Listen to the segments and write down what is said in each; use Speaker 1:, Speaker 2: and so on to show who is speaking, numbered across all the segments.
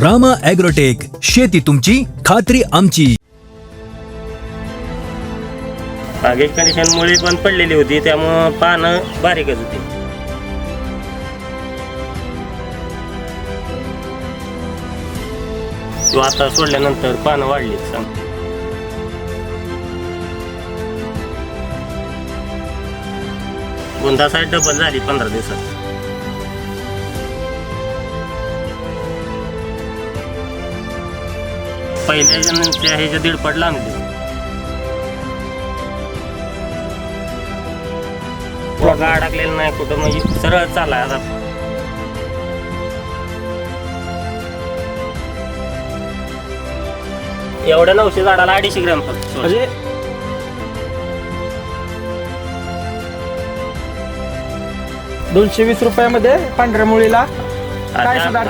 Speaker 1: Rama agrotech, शेती तुमची, खात्री आमची.
Speaker 2: बागेची कंडिशन मुळी पण पडलेली होती, त्यामुळं पानं बारीकच होती. तो आता सोडल्यानंतर पानं वाढली. गुंदा साईड डबल झाली 15 दिवसात. पहिल्या नंतर ह्याच्या दीडपट लांबली. बघा अडकलेलं नाही कुठं, म्हणजे सरळ चाललाय आता. एवढ्या 900 झाडाला 250 ग्रॅम फक्त.
Speaker 3: म्हणजे 220 रुपयामध्ये पांढऱ्या मुळीला काय सुधार.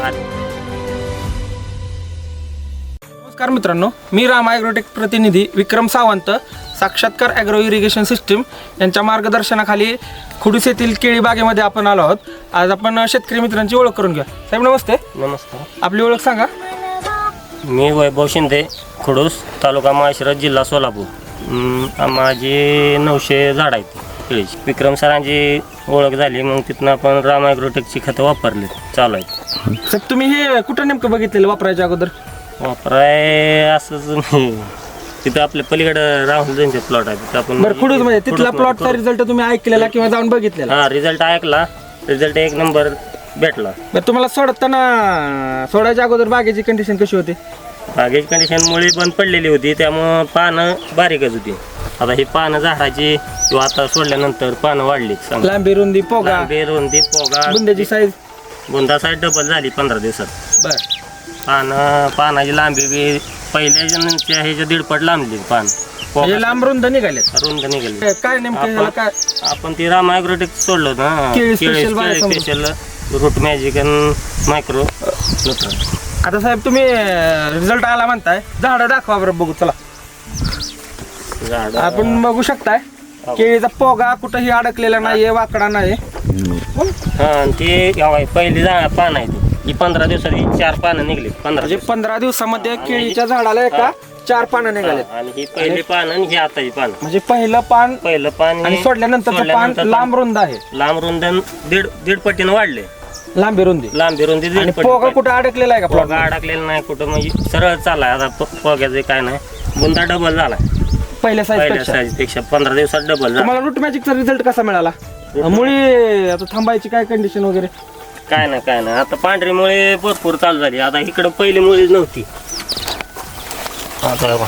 Speaker 3: नमस्कार मित्रांनो, मी रामा ॲग्रोटेक प्रतिनिधी विक्रम सावंत, साक्षात्कार ॲग्रो इरिगेशन सिस्टीम यांच्या मार्गदर्शनाखाली खुडूस येथील केळी बागेमध्ये आपण आलो आहोत. आज आपण शेतकरी मित्रांची ओळख करून घ्या. साहेब नमस्ते.
Speaker 2: नमस्कार.
Speaker 3: आपली ओळख सांगा.
Speaker 2: मी वैभव शिंदे, खुडूस, तालुका माळशिरस, जिल्हा सोलापूर. माझी 900 झाड आहेत केळीची. विक्रम सरांची ओळख झाली, मग तिथनं आपण रामा ॲग्रोटेकची खतं वापरली, चालू आहेत.
Speaker 3: साहेब तुम्ही हे कुठं नेमकं बघितलेलं वापरायच्या अगोदर?
Speaker 2: वापराय असंच तिथं आपल्या पलीकडं राहुल त्यांचे प्लॉट आहे, तिथं आपण.
Speaker 3: बरं, खुडूस मध्ये तिथला प्लॉटचा रिझल्ट तुम्ही ऐकलेला किंवा जाऊन बघितलेला?
Speaker 2: हा, रिझल्ट ऐकला, रिझल्ट 1 नंबर भेटला.
Speaker 3: बरं, तुम्हाला सोडायच्या अगोदर बागेची कंडिशन कशी होती?
Speaker 2: बागेची कंडिशन मुळी बंद पडलेली होती, त्यामुळं पानं बारीकच होती. आता ही पानं झाडाची किंवा आता सोडल्यानंतर पानं वाढली.
Speaker 3: लांबी रुंदी पोगा,
Speaker 2: लांबी रुंदी पोगा,
Speaker 3: बुंद्याची साईज
Speaker 2: बुंदा साईड डबल झाली 15 दिवसात.
Speaker 3: बर,
Speaker 2: पानाची लांबी बी पहिल्या ह्याच्या दीडपट लांबली पान.
Speaker 3: म्हणजे लांब रुंद निघालेत.
Speaker 2: रुंद निघाली.
Speaker 3: काय नेमकं ह्याला काय?
Speaker 2: आपण ती रामा ॲग्रोटेक सोडलं होतं ना,
Speaker 3: केळी स्पेशल
Speaker 2: रूट मॅजिक आणि मायक्रो.
Speaker 3: आता साहेब तुम्ही रिझल्ट आला म्हणताय, झाड दाखवा बरं बघू. चला आपण बघू शकताय केळीचा पोगा कुठंही अडकलेला नाहीये, वाकडा नाही.
Speaker 2: हा, ती पहिली पान आहे ही 15 दिवसात 4 पानं निघली. 15
Speaker 3: म्हणजे 15 दिवसामध्ये केळीच्या झाडाला एका 4 पानं निघाले.
Speaker 2: आणि ही पहिली पान आणि ही आताची पान.
Speaker 3: म्हणजे पहिलं पान आणि सोडल्यानंतर पान लांब रुंद आहे.
Speaker 2: लांब रुंद दीड पटीनं वाढले.
Speaker 3: लांबी रुंदी
Speaker 2: दीड पटी.
Speaker 3: पोगा कुठं अडकलेला आहे का?
Speaker 2: पोगा अडकलेला नाही कुठं, म्हणजे सरळ चाललाय आता. पोग्याचं काय नाही, बुंदा डबल झाला
Speaker 3: पहिल्या
Speaker 2: पहिल्या साईज पेक्षा. 15 दिवसात डबल झाला.
Speaker 3: तुम्हाला रूट मॅजिकचा रिझल्ट कसा मिळाला? मुळी आता थांबायची काय कंडिशन वगैरे?
Speaker 2: काय नाही. आता पांढरी मुळे भरपूर चालू झाली. आता इकडं पहिली मुळीच नव्हती. आता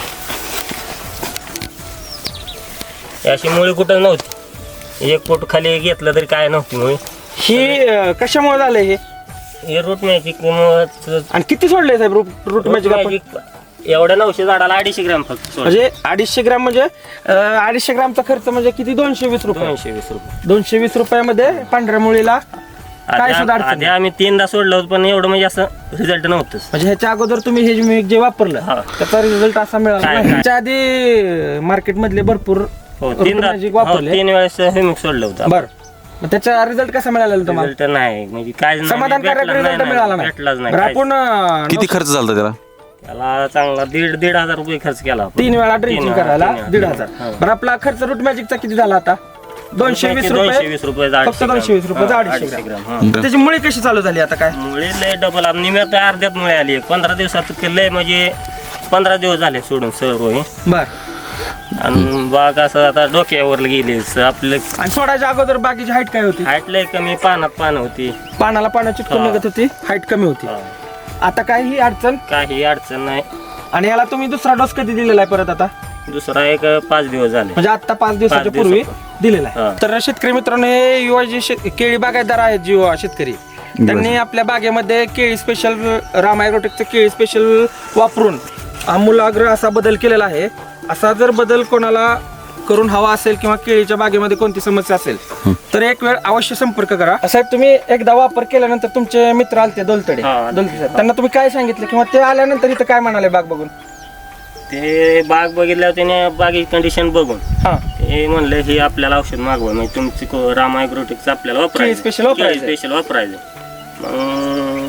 Speaker 2: अशी मुळी कुठं नव्हती. 1 फूट खाली घेतलं तरी काय नव्हती मुळी.
Speaker 3: ही कशामुळे झालंय
Speaker 2: हे रूट मॅजिक.
Speaker 3: आणि किती सोडले साहेब रूट मॅजिक?
Speaker 2: एवढ्या 900 झाडाला 250 ग्रॅम फक्त.
Speaker 3: म्हणजे 250 ग्रॅम म्हणजे 250 ग्रॅमचा खर्च म्हणजे किती? 220 रुपये.
Speaker 2: 220 रुपये.
Speaker 3: 220 रुपयामध्ये पांढऱ्या मुळीला काय सुद्धा अडचण
Speaker 2: आधी आम्ही 3दा सोडलं होतं, पण एवढं म्हणजे असं रिझल्ट नव्हतं.
Speaker 3: म्हणजे ह्याच्या अगोदर तुम्ही हे जे वापरलं त्याचा रिझल्ट असा मिळाला. ह्याच्या आधी मार्केट मधले भरपूर वापरले.
Speaker 2: 3 वेळेस हेमिक सोडलं होतं.
Speaker 3: बरं, मग त्याचा रिझल्ट कसा मिळाला तुम्हाला?
Speaker 2: रिझल्ट नाही, म्हणजे काय
Speaker 3: समाधानकारक रिझल्ट मिळाला नाही.
Speaker 2: भेटलाच नाही.
Speaker 3: आपण
Speaker 4: किती खर्च झाला त्याला?
Speaker 2: त्याला चांगला 1,500 रुपये खर्च केला.
Speaker 3: 3 वेळा ड्रिंचिंग करायला 1,500. बरं, आपला खर्च रूट मॅजिकचा किती झाला आता? 220 रुपये. फक्त 220 रुपये 250 ग्रॅम. त्याची मुळी कशी चालू झाली आता? काय
Speaker 2: मुळे लय डबल निम्यात अर्ध्यात मुळे आली. 15 दिवसात लय, म्हणजे 15 दिवस झाले सोडून सर्व.
Speaker 3: बर,
Speaker 2: आणि बाग असं आता डोक्यावर गेली आपलं.
Speaker 3: आणि सोडायच्या अगोदर बागेची हाईट काय होती?
Speaker 2: हाईट लय कमी, पानात पानं होती,
Speaker 3: पानाला चिटकून निघत होती, हाईट कमी होती. आता काही अडचण नाही. आणि याला तुम्ही दुसरा डोस कधी दिलेला आहे परत? आता
Speaker 2: दुसरा एक 5 दिवस झाले,
Speaker 3: म्हणजे आता 5 दिवसाच्या पूर्वी दिलेला आहे. तर शेतकरी मित्रांनो, हे युवा जे केळी बागायतदार आहेत, जे युवा शेतकरी, त्यांनी आपल्या बागेमध्ये केळी स्पेशल, रामा ॲग्रोटेकचं केळी स्पेशल वापरून आमूलाग्र असा बदल केलेला आहे. असा जर बदल कोणाला करून हवा असेल किंवा केळीच्या बागेमध्ये कोणती समस्या असेल तर एक वेळ अवश्य संपर्क करा. साहेब, तुम्ही एकदा वापर केल्यानंतर तुमचे मित्र आलते दोलतडे, त्यांना तुम्ही काय सांगितलं किंवा ते आल्यानंतर इथं काय म्हणाले बाग बघून?
Speaker 2: ते बाग बघितल्यावर त्याने बागेची कंडिशन बघून ते म्हणले हे आपल्याला औषध मागवा, म्हणजे तुमची रामा ॲग्रोटेकचं आपल्याला वापरायचं,
Speaker 3: स्पेशल वापरायचं.
Speaker 2: मग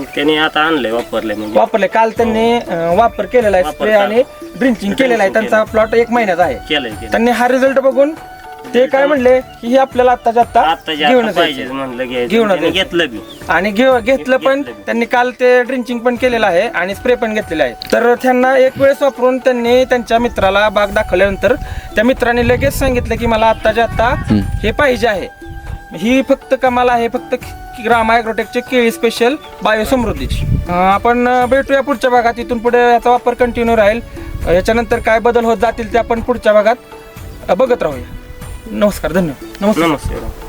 Speaker 2: त्यांनी आता आणलंय वापरलंय म्हणजे
Speaker 3: वापरले काल त्यांनी वापर केलेला आहे स्प्रे आणि ड्रिंचिंग केलेला आहे. त्यांचा प्लॉट 1 महिन्याचा आहे.
Speaker 2: केलंय
Speaker 3: त्यांनी हा रिझल्ट बघून ते काय म्हणले की हे आपल्याला आत्ताच्या आत्ता घेऊनच
Speaker 2: पाहिजे
Speaker 3: यायचं.
Speaker 2: म्हणलं
Speaker 3: घेऊनच
Speaker 2: घेऊन
Speaker 3: यायचं.
Speaker 2: घेतलं बी
Speaker 3: आणि घेतलं पण त्यांनी काल ते ड्रिंचिंग पण केलेलं आहे आणि स्प्रे पण घेतलेला आहे. तर त्यांना एक वेळेस वापरून त्यांनी त्यांच्या मित्राला बाग दाखवल्यानंतर त्या मित्राने लगेच सांगितलं की मला आत्ताच्या आत्ता हे पाहिजे आहे. ही फक्त कमाल आहे फक्त रामा ॲग्रोटेकचे केळी स्पेशल बायो समृद्धीची. आपण भेटूया पुढच्या भागात. इथून पुढे याचा वापर कंटिन्यू राहील. याच्यानंतर काय बदल होत जातील ते आपण पुढच्या भागात बघत राहूया. नमस्कार, धन्यवाद.
Speaker 2: नमस्कार.